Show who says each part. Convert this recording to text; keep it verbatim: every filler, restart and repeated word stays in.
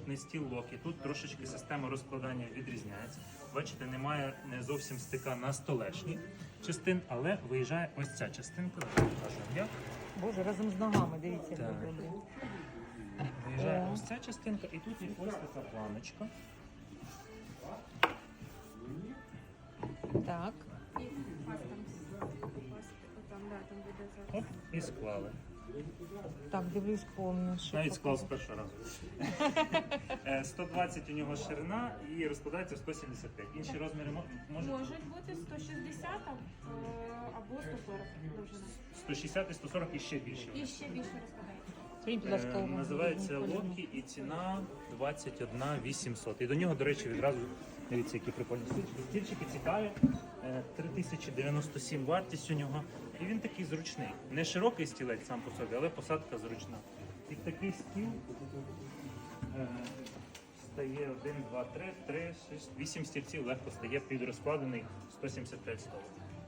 Speaker 1: наступний стіл Локі. Тут трошечки система розкладання відрізняється. Бачите, немає не зовсім стика на столешній частин, але виїжджає ось ця частинка. Покажу як.
Speaker 2: Боже, разом з ногами, дивіться, як
Speaker 1: Так.
Speaker 2: добре.
Speaker 1: Виїжджає
Speaker 2: О.
Speaker 1: ось ця частинка, і тут є ось така планочка.
Speaker 2: Так.
Speaker 3: І вас там попасти. Отам, да, там буде зараз.
Speaker 1: Оп, і склали.
Speaker 2: Так, дивлюсь повно. що
Speaker 1: Навіть склав з
Speaker 2: показує.
Speaker 1: першого разу. Е, сто двадцять у нього ширина і розкладається в сто сімдесят п'ять. Інші розміри мо- можуть?
Speaker 3: Можуть бути сто шістдесят а, е, або сто сорок довжина.
Speaker 1: сто шістдесят і сто сорок і ще більше.
Speaker 3: І ще більше розкладається.
Speaker 2: Скажіть, будь ласка,
Speaker 1: Е,
Speaker 2: увагу.
Speaker 1: Називається Локі і ціна двадцять один вісімсот. І до нього, до речі, відразу дивіться, які прикольні стільчики. Стільчики цікаві. Е, три тисячі дев'яносто сім вартість у нього. І він такий зручний. Не широкий стілець сам по собі, але посадка зручна. І такий стіл е, стає один, два, три, три, шість, вісім стільців легко стає під розкладений сто сімдесят п'ять столів.